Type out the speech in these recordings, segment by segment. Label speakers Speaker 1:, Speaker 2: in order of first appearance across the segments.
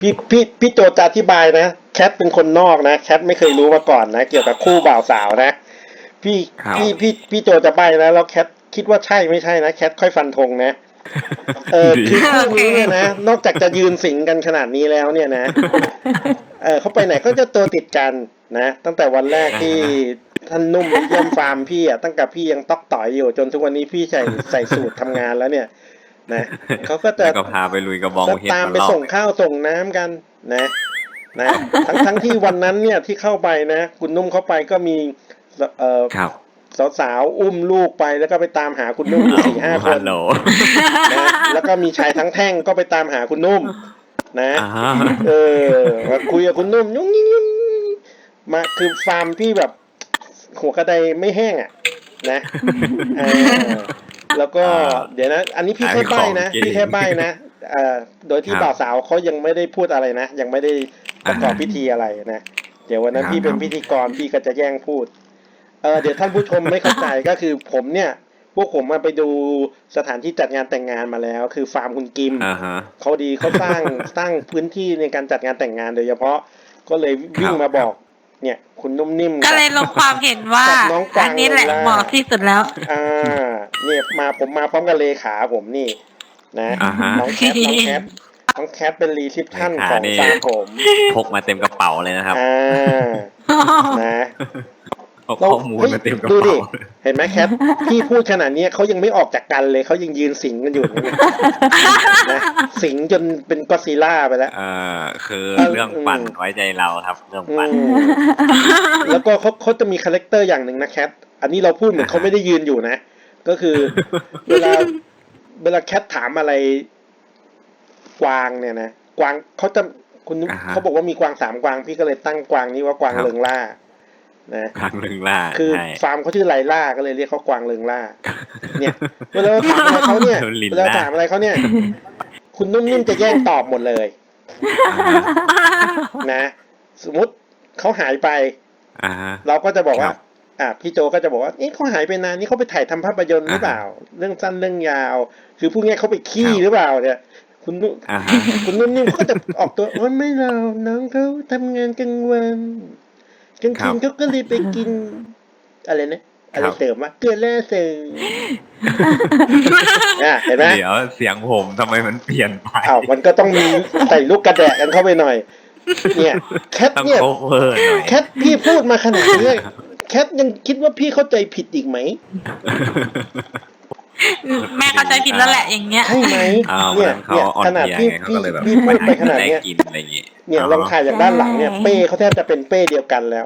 Speaker 1: พี่โจจะอธิบายนะแคทเป็นคนนอกนะแคทไม่เคยรู้มาก่อนนะเกี่ยวกับคู่บ่าวสาวนะพี่พี่โจจะใบ้นะแล้วแคทคิดว่าใช่ไม่ใช่นะแคทค่อยฟันธงนะคือคู่นี้เนี่ยนะนอกจากจะยืนสิงกันขนาดนี้แล้วเนี่ยนะเขาไปไหนก็จะตัวติดกันนะตั้งแต่วันแรกที่ท่านนุ่มมาเยี่ยมฟาร์มพี่อ่ะตั้งแต่พี่ยังต๊อกต่อยอยู่จนทุกวันนี้พี่ใส่สูตรทำงานแล้วเนี่ยนะเขาก็จะ
Speaker 2: ก็พาไปลุยกระบองเห็ด
Speaker 1: ตามไปส่งข้าวส่งน้ำกันนะทั้งที่วันนั้นเนี่ยที่เข้าไปนะคุณนุ่มเข้าไปก็มีสาวๆอุ้มลูกไปแล้วก็ไปตามหาคุณนุ่มอยู่4-5 คนนะแล้วก็มีชายทั้งแท่งก็ไปตามหาคุณนุ่มนะมาคุยกับคุณนุ่มยุ่งยิ่งมาคือฟาร์มพี่แบบหัวกระไดไม่แห้งอ่ะนะแล้วก็เดี๋ยวนะอันนี้พี่แค่ใบ้นะพี่แค่ใบ้นะโดยที่บ่าวสาวเขายังไม่ได้พูดอะไรนะยังไม่ได้ประกอบพิธีอะไรนะเดี๋ยววันนั้นพี่เป็นพิธีกรพี่ก็จะแย่งพูดเดี๋ยวท่านผู้ชมไม่เข้าใจก็คือผมเนี่ยพวกผมมาไปดูสถานที่จัดงานแต่งงานมาแล้วคือฟาร์มคุณกิมเขาดีเขาสร้างพื้นที่ในการจัดงานแต่งงานโดยเฉพาะก็เลยวิ่งมาบอกเนี่ยคุณนุ่มนิ่ม
Speaker 3: ก็เลยลงความเห็นว่าอันนี้แหละเหมาะที่สุดแล้ว
Speaker 1: เนี่ยผมมาพร้อมกับเลขาผมนี่นะน้องแคทเป็นรีซิปชั่นของฟาร์มผม
Speaker 2: พกมาเต็มกระเป๋าเลยนะครับ
Speaker 1: นะ
Speaker 2: ข้อมูลมาเต็มกระเป๋า
Speaker 1: ดูดิเห็นไหมแคทพี่พูดขนาดนี้เขายังไม่ออกจากกันเลยเขายังยืนสิงกันอยู่นะสิงจนเป็นก็อดซิลล่าไปแล้ว
Speaker 2: คือเรื่องปั่นไว้ใจเราครับเรื่องปั่น
Speaker 1: แล้วก็เขาจะมีคาแรคเตอร์อย่างหนึ่งนะแคทอันนี้เราพูดเหมือนเขาไม่ได้ยืนอยู่นะก็คือเวลาแคทถามอะไรกวางเนี่ยนะกวางเขาบอกว่ามีกวาง3 กวางพี่ก็เลยตั้งกวางนี้ว่ากวางเริงล่านะ
Speaker 2: กวางเริงล่า
Speaker 1: คือฟาร์มเขาชื่อไลล่าก็เลยเรียกเขากวางเริงล่าเนี่ยเวลาถามอะไรเขาเนี่ยคุณนุ่มนิ่มจะแย่งตอบหมดเลยนะสมมติเขาหายไปเราก็จะบอกว่าพี่โจก็จะบอกว่าเขาหายไปนานนี่เขาไปถ่ายทำภาพยนตร์หรือเปล่าเรื่องสั้นเรื่องยาวคือพูดง่ายเขาไปขี้หรือเปล่าเนี่ยคุณนุ่มนิ่มเขาจะออกตัวว่าไม่เราน้องเขาทำงานกลางวันกลางคืนเขาก็เลยไปกินอะไรนะอะไรเสริมวะเกลือแร่เสริมเห็นไหม
Speaker 2: เดี๋ยวเสียงผมทำไมมันเปลี่ยนไป
Speaker 1: มันก็ต้องมีใส่ลูกกระแดะกันเข้าไปหน่อยเนี่ยแคทเนี่ยแคทพี่พูดมาขนาดนี้แคทยังคิดว่าพี่เข้าใจผิดอีกไหม
Speaker 3: แม่เข้าใจผิดแล้วแหละอย่างเงี้ย
Speaker 1: ใช่ไหมเนี่ยขนาดพี่พูดไปขนาดเนี้ยเนี่ยลองถ่ายจากด้านหลังเนี่ยเป้เขาแทบจะเป็นเป้เดียวกันแล้ว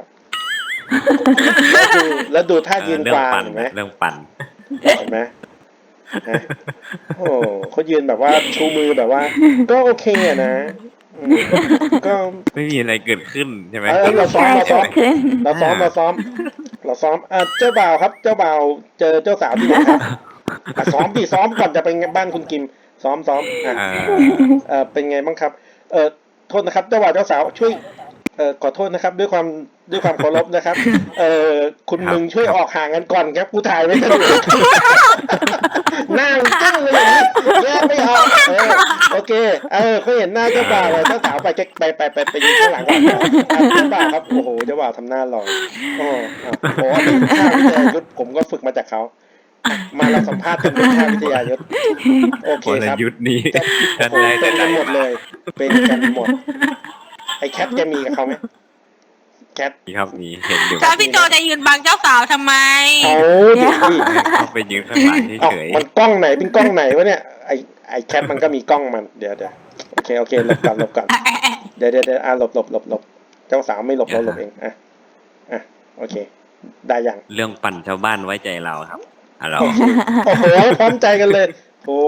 Speaker 1: แล้วดูท่ายืนกวางเห็นไหม
Speaker 2: เรื่องปั่น
Speaker 1: เห็นไหมโอ้เขายืนแบบว่าชูมือแบบว่าก็โอเคนะ
Speaker 2: ก็ไม่มีอะไรเกิดขึ้นใช่ไหม
Speaker 1: เราซ้อมเจ้าบ่าวครับเจ้าบ่าวเจอเจ้าสาวที่ไหนครับซ้อมก่อนจะไปบ้านคุณกิมซ้อมเป็นไงบ้างครับโทษนะครับเจ้าบ่าวเจ้าสาวช่วยขอโทษนะครับด้วยความเคารพนะครับคุณมึงช่วยออกห่างกันก่อนครับกูถ่ายไม่ทันหน้าจ้างเลยแยกไม่ออกโอเคเขาเห็นหน้าเจ้าบ่าวเลยเจ้าสาวไปยืนข้างหลังก่อนเจ้าบ่าวครับโอ้โหเจ้าบ่าวทำหน้าหล่อโอ้โหท่าวิทยายุทธผมก็ฝึกมาจากเขามาเราสัมภาษณ์กันเป็นท่าวิทยายุทธโอเคครับ
Speaker 2: ยุทธนี้
Speaker 1: เป็นกันหมดเลยเป็นกันหมดไอ้แคทแกมีกับเขาไหมแคท
Speaker 2: ครับมีเห็นอยู่
Speaker 3: พี่โจจะยืนบังเจ้าสาวทำไม
Speaker 1: เดี๋ยว
Speaker 2: เขาไปยืนข้างหลังเฉย
Speaker 1: มันกล้องไหนเป็นกล้องไหนวะเนี่ยไอ้แคทมันก็มีกล้องมันเดี๋ยวโอเคหลบก่อนเดี๋ยวหลบเจ้าสาวไม่หลบเราหลบเองโอเคได้ยัง
Speaker 2: เรื่องปั่นชาวบ้านไว้ใจเราครับเรา
Speaker 1: โอ้โหพร้อมใจกันเลยโอ้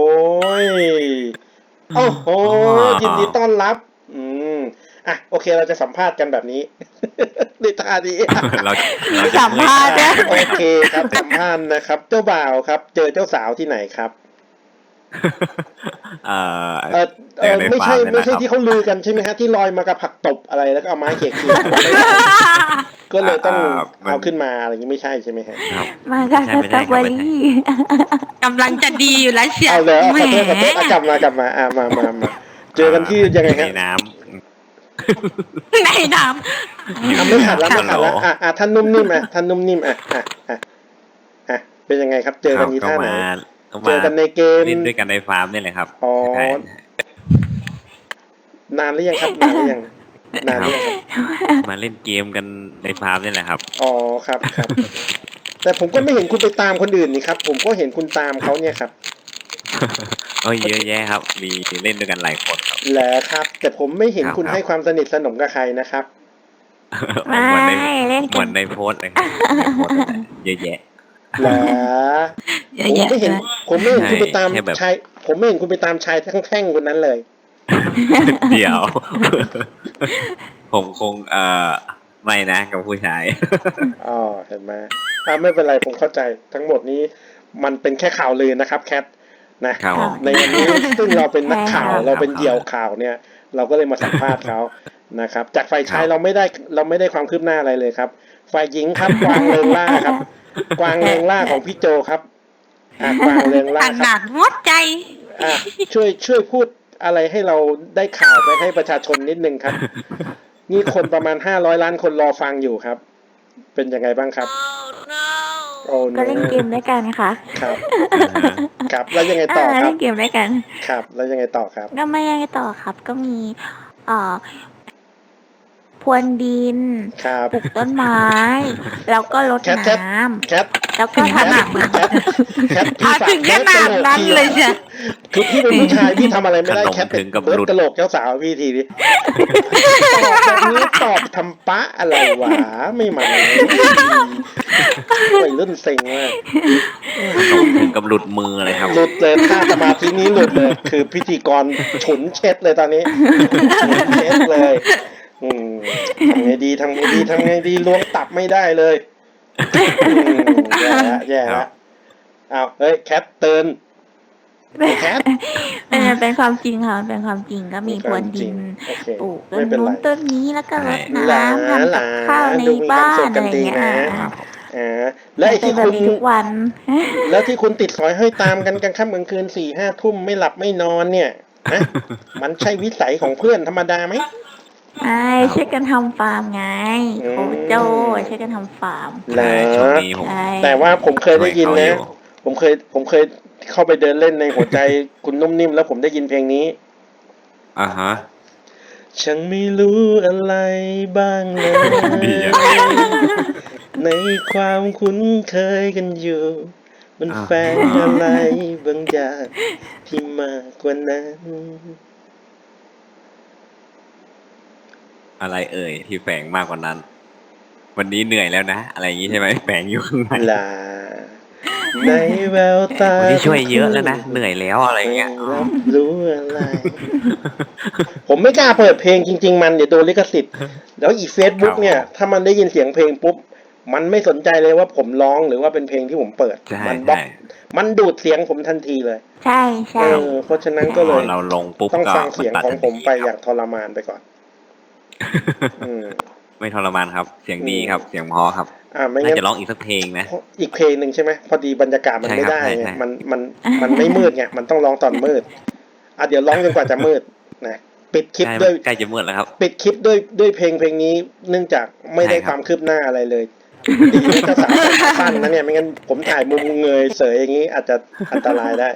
Speaker 1: โหยินดีต้อนรับโอเคเราจะสัมภาษณ์กันแบบนี้ในท่านี้
Speaker 2: เรา
Speaker 3: สัมภาษณ์นะ
Speaker 1: โอเคครับสัมภาษณ์นะครับเจ้าบ่าวครับเจอเจ้าสาวที่ไหนครับไม่ใช่ที่เขาลือกันใช่ไหมฮะที่ลอยมากับผักตบอะไรแล้วก็เอาไม้เขี่ยก็เลยต้องเอาขึ้นมาอะไรอย่างนี้ไม่ใช่ใช่ไหมฮะ
Speaker 3: มาจากสตรอเบอรี่กำลังจะดีอยู่แล้วเชียว
Speaker 1: เอาเลยขอโทษกลับมากลับมามาเจอกันที่ยังไงฮะ
Speaker 2: น้
Speaker 3: ในน้
Speaker 1: ไม่ขัดแล้วท่านนุ่มนิ่มท่านนุ่มนิ่มเป็นยังไงครับเจอกันนี้ท่าไหนเจอกันในเกม
Speaker 2: เล่นด้วยกันในฟาร์มนี่แหละครับ
Speaker 1: อ๋อนานหรือยังครับนานหรือยัง
Speaker 2: มาเล่นเกมกันในฟาร์มนี่แหละครับ
Speaker 1: อ๋อครับแต่ผมก็ไม่เห็นคุณไปตามคนอื่นนี่ครับผมก็เห็นคุณตามเขาเนี่ยครับ
Speaker 2: เยอะแยะครับมีเล่นด้วยกันหลายคนครับ
Speaker 1: แหละครับแต่ผมไม่เห็นคุณให้ความสนิทสนมกับใครนะครับ
Speaker 3: ำไม่เล่น
Speaker 2: เหมือนในโพสเลยครับเยอะแยะ
Speaker 1: แหละผมไม่เห็นคุณไปตามชายผมไม่เห็นคุณไปตามชายแท่งคนนั้นเลย
Speaker 2: เดี๋ยวผมคงไม่นะกับผู้ชาย
Speaker 1: อ๋อเห็นไหมไม่เป็นไรผมเข้าใจทั้งหมดนี้มันเป็นแค่ข่าวลือนะครับแคทนะในวันนี้ซึ่งเราเป็นนักข่าวเราเป็นเหยี่ยวข่าวเนี่ยเราก็เลยมาสัมภาษณ์เขานะครับจากฝ่ายชายเราไม่ได้ความคืบหน้าอะไรเลยครับฝ่ายหญิงครับกวางเริงล่าครับกวางเริงล่าของพี่โจครับกวางเริงล่าครับ
Speaker 3: หมดใจ
Speaker 1: ช่วยพูดอะไรให้เราได้ข่าวไปให้ประชาชนนิดนึงครับนี่คนประมาณ500 ล้านคนรอฟังอยู่ครับเป็นยังไงบ้างครับ
Speaker 3: ก็เล่นเกมด้วยกันค่ะ
Speaker 1: ครับแล้วยังไงต่อครับ
Speaker 3: เล่นเกมด้วยกัน
Speaker 1: ครับแล้วยังไงต่อครับ
Speaker 3: ก็ไม่ยังไงต่อครับก็มีพรวนดินปลูกต้นไม้แล้วก็รดน้ำแล้วก็ทำอาบน้ำถึงขนาดนั้นเลยจ้ะ
Speaker 1: คือพี่เป็นผู้ชายพี่ทำอะไรไม่ได้แคทเป็นเบิร์ดกระโหลกเจ้าสาวพี่ทีนี้ตอบแบบนี้ตอบทำปะอะไรวะไม่มาวัยรุ่นเซ็งมาก
Speaker 2: ถึงกับหลุดมือเลยครับ
Speaker 1: หลุดเลยท่าสมาธินี้หลุดเลยคือพิธีกรฉุนเช็ดเลยตอนนี้เช็ดเลยทำไงดีล้วงตับไม่ได้เลยแย่ละอ้าวเฮ้ยแคทเตือนแคท
Speaker 3: เป็นความจริงค่ะเป็นความจริงก็มีพรวนดินปลูกต้นนู้นต้นนี้แล้วก็รดน้ำทำกับข้าวในบ้านอะไรอย่างเงี้ย
Speaker 1: แล้วที่คุณ
Speaker 3: ทุกวัน
Speaker 1: แล้วที่คุณติดสอยให้ตามกันกลางค่ำกลางคืน4-5 ทุ่มไม่หลับไม่นอนเนี่ยมันใช่วิสัยของเพื่อนธรรมดาไหม
Speaker 3: ช่วยกันทำฟาร์มไงโคโจ้ช่วยกันทำฟาร์ม
Speaker 1: แต่ว่าผมเคยได้ยินนะผมเคยเข้าไปเดินเล่นในหัวใจคุณนุ่มนิ่มแล้วผมได้ยินเพลงนี้ฉันไม่รู้อะไรบ้างเลยในความคุ้นเคยกันอยู่มันแฝงอะไรบางอย่างที่มากกว่านั้น
Speaker 2: อะไรเอ่ยที่แฝงมากกว่านั้นวันนี้เหนื่อยแล้วนะอะไรอย่างนี้ใช่ไหมแฝงอยู่ข้างใน
Speaker 1: ในแววตา
Speaker 2: วันนี้ช่วยเยอะแล้วนะเหนื่อยแล้วอะไรเงี้ย
Speaker 1: รู้อะไรผมไม่กล้าเปิดเพลงจริงๆมันเดี๋ยวโดนลิขสิทธิ์แล้วอี Facebook เนี่ยถ้ามันได้ยินเสียงเพลงปุ๊บมันไม่สนใจเลยว่าผมร้องหรือว่าเป็นเพลงที่ผมเปิดมันบล็อกมันดูดเสียงผมทันทีเลย
Speaker 3: ใช่
Speaker 1: เพราะฉะนั้นก็เลย
Speaker 2: เราลงปุ๊บ
Speaker 1: ต้องฟังเสียงของผมไปอย่างทรมานไปก่อน
Speaker 2: ไม่ทรมานครับเสียงดีครับเสียงเพราะครับน่าจะร้องอีกสักเพลงนะ
Speaker 1: อีกเพลงหนึ่งใช่ไหมพอดีบรรยากาศมันไม่ได้ไงมันไม่มืดไงมันต้องร้องตอนมืดเดี๋ยวร้องจนกว่าจะมืดนะปิดคลิปด้วย
Speaker 2: ใกล้จะมืดแล้วครับ
Speaker 1: ปิดคลิปด้วยเพลงนี้เนื่องจากไม่ได้ความคืบหน้าอะไรเลยดีนะเจ้าสาวสั้นนะเนี่ยไม่งั้นผมถ่ายมุมเงยเสยอย่างนี้อาจจะอันตรายได้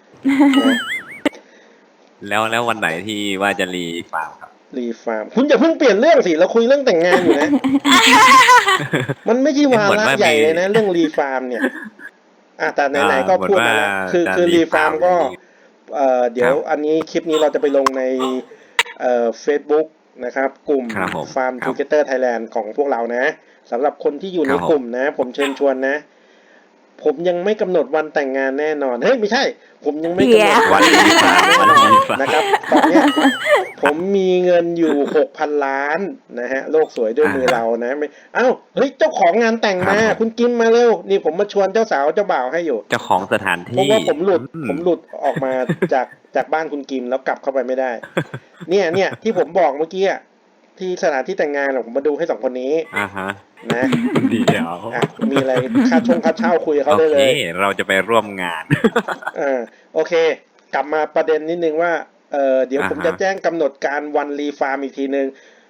Speaker 2: แล้ววันไหนที่ว่าจะรีฟาร์มครับ
Speaker 1: รีฟาร์มคุณอย่าเพิ่งเปลี่ยนเรื่องสิเราคุยเรื่องแต่งงานอยู่นะมันไม่ใช่วาระใหญ่เลยนะเรื่องรีฟาร์มเนี่ยแต่ไหนๆก็พูดมาแล้วคือรีฟาร์มก็เดี๋ยวอันนี้คลิปนี้เราจะไปลงในFacebook นะครับกลุ่ม Farm Together Thailand ของพวกเรานะสำหรับคนที่อยู่ในกลุ่มนะผมเชิญชวนนะผมยังไม่กำหนดวันแต่งงานแน่นอนเฮ้ยไม่ใช่ผมยังไม่กำหนดวันนะครับตอนนี้ผมมีเงินอยู่ 6,000 ล้านนะฮะโลกสวยด้วยมือเรานะไม่เฮ้ยเจ้าของงานแต่งมาคุณกิมมาเร็วนี่ผมมาชวนเจ้าสาวเจ้าบ่าวให้อยู่
Speaker 2: เจ้าของสถานที่
Speaker 1: เพราะว่าผมหลุดออกมาจากบ้านคุณกิมแล้วกลับเข้าไปไม่ได้เนี่ยที่ผมบอกเมื่อกี้ที่สถานที่แต่งงานผมมาดูให้2 คนนี้นะ
Speaker 2: ดีเดี๋ยว
Speaker 1: มีอะไรค่าเช่าคุยกับเขาได้เลย
Speaker 2: เราจะไปร่วมงาน
Speaker 1: โอเคกลับมาประเด็นนิดนึงว่าเดี๋ยวผมจะแจ้งกำหนดการวันรีฟาร์มอีกทีนึง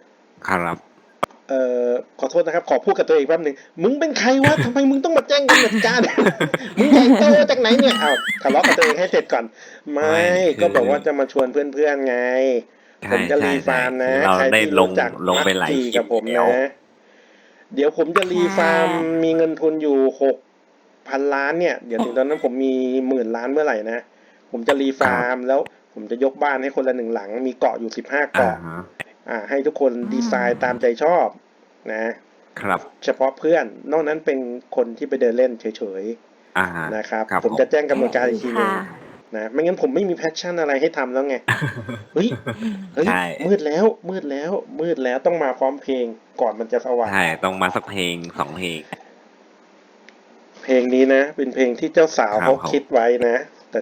Speaker 2: ครับ
Speaker 1: ขอโทษนะครับขอพูดกับตัวเองแป๊บนึงมึงเป็นใครวะทำไมมึงต้องมาแจ้งกำหนดการ มึงใหญ่โตจากไหนเนี่ยอ้าวทะเลาะกับตัวเองให้เสร็จก่อนไม่ก็บอกว่าจะมาชวนเพื่อนๆไงผมจะรีฟาร์มนะใครที่รู้จักมักจีกับผมนะเดี๋ยวผมจะรีฟาร์มมีเงินทุนอยู่6,000 ล้านเนี่ยเดี๋ยวถึงตอนนั้นผมมี10,000 ล้านเมื่อไหร่นะผมจะรีฟาร์มแล้วผมจะยกบ้านให้คนละ1 หลังมีเกาะอยู่15 เกาะให้ทุกคนดีไซน์ตามใจชอบนะครับเฉพาะเพื่อนนอกนั้นเป็นคนที่ไปเดินเล่นเฉยๆนะครับผมจะแจ้งกำหนดการอีกทีนึงนะไม่งั้นผมไม่มีแพชชั่นอะไรให้ทำแล้วไงเฮ้ยมืดแล้วต้องมาพร้อมเพลงก่อนมันจะสว่าง
Speaker 2: ใช่ต้องมาสักเพลง2 เพลง
Speaker 1: เพลงนี้นะเป็นเพลงที่เจ้าสาวเขาคิดไว้นะแต่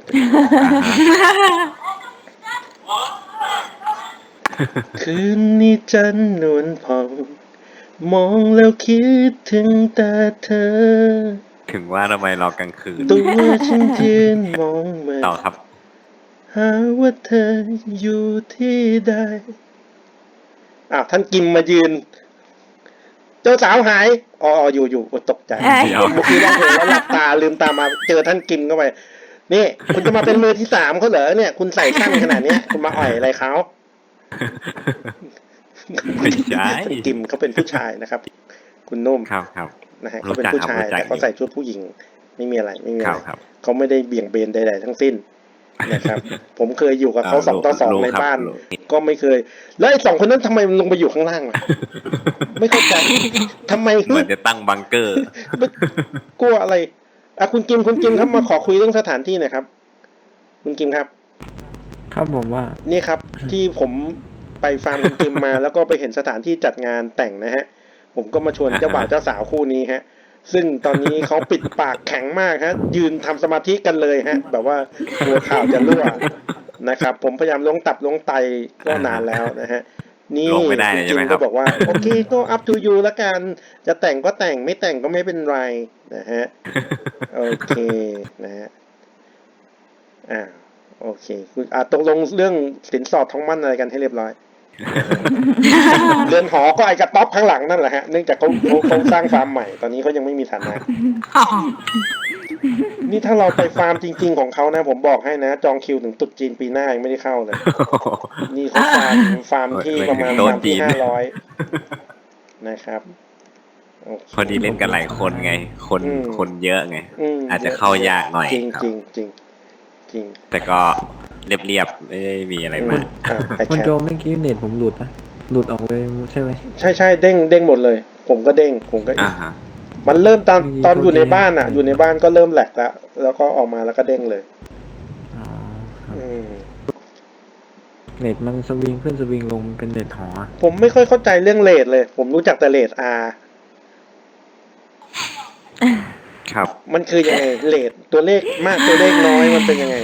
Speaker 1: คืนนี้จันทร์นวลผ่องมองแล้วคิดถึงแต่เธอ
Speaker 2: ถึงว่าทำไมรอกลางคืน
Speaker 1: ตัวฉันยืนมองเหมือน
Speaker 2: ต่อครับ
Speaker 1: หาว่าเธออยู่ที่ใดท่านกิมมายืนเจ้าสาวหายอยู่ตกใจเมื่อกี้เราเห็นแล้วหลับตาลืมตามาเจอท่านกิมเข้าไปนี่คุณจะมาเป็นมือที่3เขาเหรอเนี่ยคุณใส่สั้นขนาดนี้คุณมาอ่อยอะไรเขา
Speaker 2: ไม่ใช่
Speaker 1: กิมเขาเป็นผู้ชายนะครับคุณนุ่ม
Speaker 2: ครับ
Speaker 1: นะฮะเขาเป็นผู้ชายแต่เขาใส่ชุดผู้หญิงไม่มีอะไรเขาไม่ได้เบี่ยงเบนใดๆทั้งสิ้นนะครับผมเคยอยู่กับเขา2 ต่อ 2ในบ้านก็ไม่เคยแล้วไอ้2 คนนั้นทำไมลงไปอยู่ข้างล่างล่ะไม่เข้าใจทำไม
Speaker 2: เหมือนจะตั้งบังเกอร์
Speaker 1: กลัวอะไรคุณกิมครับมาขอคุยเรื่องสถานที่หน่อยครับคุณกิมครับ
Speaker 4: ผมว่า
Speaker 1: นี่ครับที่ผมไปฟาร์มคุณกิมมาแล้วก็ไปเห็นสถานที่จัดงานแต่งนะฮะผมก็มาชวนเจ้าบ่าวเจ้าสาวคู่นี้ฮะซึ่งตอนนี้เขาปิดปากแข็งมากฮะยืนทำสมาธิกันเลยฮะแบบว่าตัวข่าวจะรั่วนะครับผมพยายามล้วงตับล้วงไตก็นานแล้วนะฮะนี่คุณกิมก็บอกว่าโอเคก็ up to you ละกันจะแต่งก็แต่งไม่แต่งก็ไม่เป็นไรนะฮะโอเคนะฮะโอเคคุณตกลงเรื่องสินสอดทองมั่นอะไรกันให้เรียบร้อยเรือนหอก็ไอ้กระต๊อบข้างหลังนั่นแหละฮะเนื่องจากเขาสร้างฟาร์มใหม่ตอนนี้เขายังไม่มีฐานะนี่ถ้าเราไปฟาร์มจริงๆของเขานะผมบอกให้นะจองคิวถึงตรุษจีนปีหน้ายังไม่ได้เข้าเลยนี่เขาฟาร์มที่ประมาณฟาร์มที่500นะครับ
Speaker 2: พอดีเล่นกันหลายคนไงคนเยอะไงอาจจะเข้ายากหน่อย
Speaker 1: จริง
Speaker 2: แต่ก็เรียบไม่ได้มีอะไรมาก
Speaker 4: คุณโจเมื่อกี้เน็ตผมหลุดออกเลยใช่ไหม
Speaker 1: ใช่เด้งหมดเลยผมก็เด้งมันเริ่มตอนอยู่ในบ้านอยู่ในบ้านก็เริ่มแหลกแล้วก็ออกมาแล้วก็เด้งเลย
Speaker 4: เน็ตมันสวิงขึ้นสวิงลงเป็นเน็ตหอ
Speaker 1: ผมไม่ค่อยเข้าใจเรื่องเรทเลยผมรู้จักแต่เรท R
Speaker 2: ครับ
Speaker 1: มันคือยังไงเรทตัวเลขมากตัวเลขน้อยมันเป็นยังไง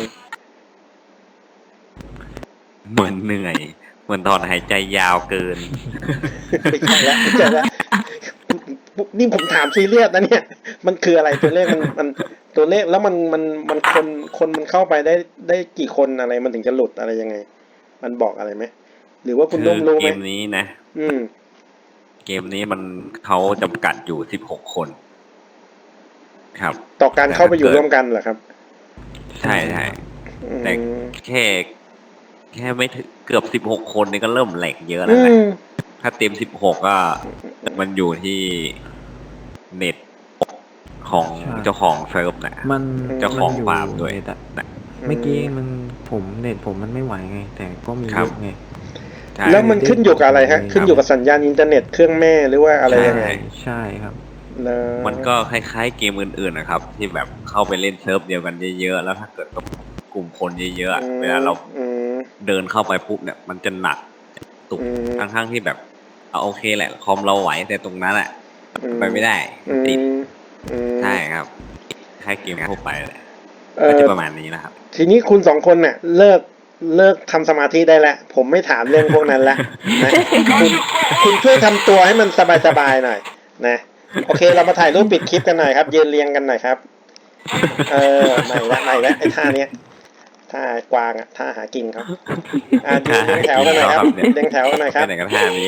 Speaker 2: เหมือนเหนื่อยเหมือนถอนหายใจยาวเกิน
Speaker 1: ไม่ใช่แล้วนี่ผมถามซีเรียสนะเนี่ยมันคืออะไรตัวเลขมันตัวเลขแล้วมันคนมันเข้าไปได้กี่คนอะไรมันถึงจะหลุดอะไรยังไงมันบอกอะไรไหมหรือว่าคุณนุ่มรู้ไหม
Speaker 2: เกมนี้นะเกมนี้มันเขาจำกัดอยู่16 คนครับ
Speaker 1: ต่อการเข้าไปอยู่ร่วมกันเหรอครับ
Speaker 2: ใช่แต่แค่ไม่ถึงเกือบ16 คนนี่ก็เริ่มแหลกเยอะแล้วแหละถ้าเต็ม16ก็มันอยู่ที่เน็ตของเจ้าของเซิร์ฟนะ
Speaker 4: มัน
Speaker 2: เจ้าของฟาร์มด้วย
Speaker 4: เมื่อกี้เน็ตผมมันไม่ไหวไงแต่ก็มีเยอะไง
Speaker 1: แล้วมันขึ้นอยู่กับอะไรฮะขึ้นอยู่กับสัญญาณอินเทอร์เน็ตเครื่องแม่หรือว่าอะไรยังไง
Speaker 4: ใช่ครับ
Speaker 2: มันก็คล้ายๆเกมอื่นๆนะครับที่แบบเข้าไปเล่นเซิร์ฟเดียวกันเยอะๆแล้วถ้าเกิดกับกลุ่มคนเยอะๆเวลาเราเดินเข้าไปปุ๊บเนี่ยมันจะหนักตุกทั้งที่แบบโอเคแหละคอมเราไหวแต่ตรงนั้นแหละไปไม่ได้ติดใช่ครับคล้ายเกมทั่วไปเลยก็จะประมาณนี้นะครับ
Speaker 1: ทีนี้คุณ2 คนเนี่ยเลิกทำสมาธิได้แล้วผมไม่ถามเรื่องพวกนั้นแล้วนะคุณช่วยทำตัวให้มันสบายๆหน่อยนะโอเคเรามาถ่ายรูปปิดคลิปกันหน่อยครับยืนเรียงกันหน่อยครับไม่ละไอ้ท่าเนี้ยท่ากวางท่าหากินครับเรียงแถวกันหน่อยครับเรียงแถวกันหน่อยครับ
Speaker 2: ไหนก็ท่านี้แหละ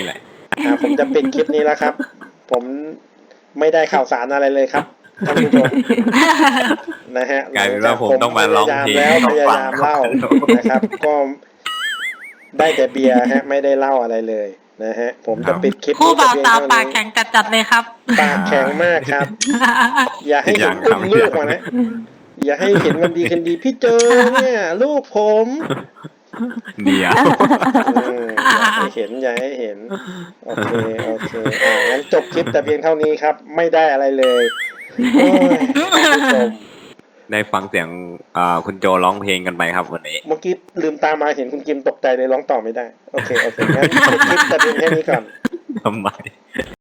Speaker 1: ผมจะปิดคลิปนี้แล้วครับ ผมไม่ได้ข่าวสารอะไรเลยครับท่านผู้ชมนะฮะ
Speaker 2: กลายเป็นว่าผมต้องมาร้องเพลง
Speaker 1: แล้วพยายามเล่านะครับ ก็ได้แต่เบียร์ฮะไม่ได้เล่าอะไรเลยนะฮะ ผมจะปิดคลิป
Speaker 5: คู่บ่าว
Speaker 1: นี้
Speaker 5: สาว
Speaker 1: แต่
Speaker 5: ปาก
Speaker 1: เพียง
Speaker 5: แข็งจัดๆเลยครับ
Speaker 1: ปากแข็งมากครับ อย่าให้เห็นอุ้มลูกมานะ อย่าให้เห็นวันดีคืนดีพี่เจอเนี่ยลูกผม
Speaker 2: เดียว
Speaker 1: อย่าให้เห็นอย่าให้เห็นโอเคงั้นจบคลิปแต่เพียงเท่านี้ครับ ไม่ได้อะไรเลยโอ้ยท่านผู้ชม
Speaker 2: ได้ฟังเสียงคุณโจร้องเพลงกันไปครับวันนี้
Speaker 1: เมื่อกี้ลืมตามาเห็นคุณกิมตกใจเลยร้องต่อไม่ได้โอเคงั้นจบคลิปแต่เพียงแค่นี้ก่อน
Speaker 2: ทำไม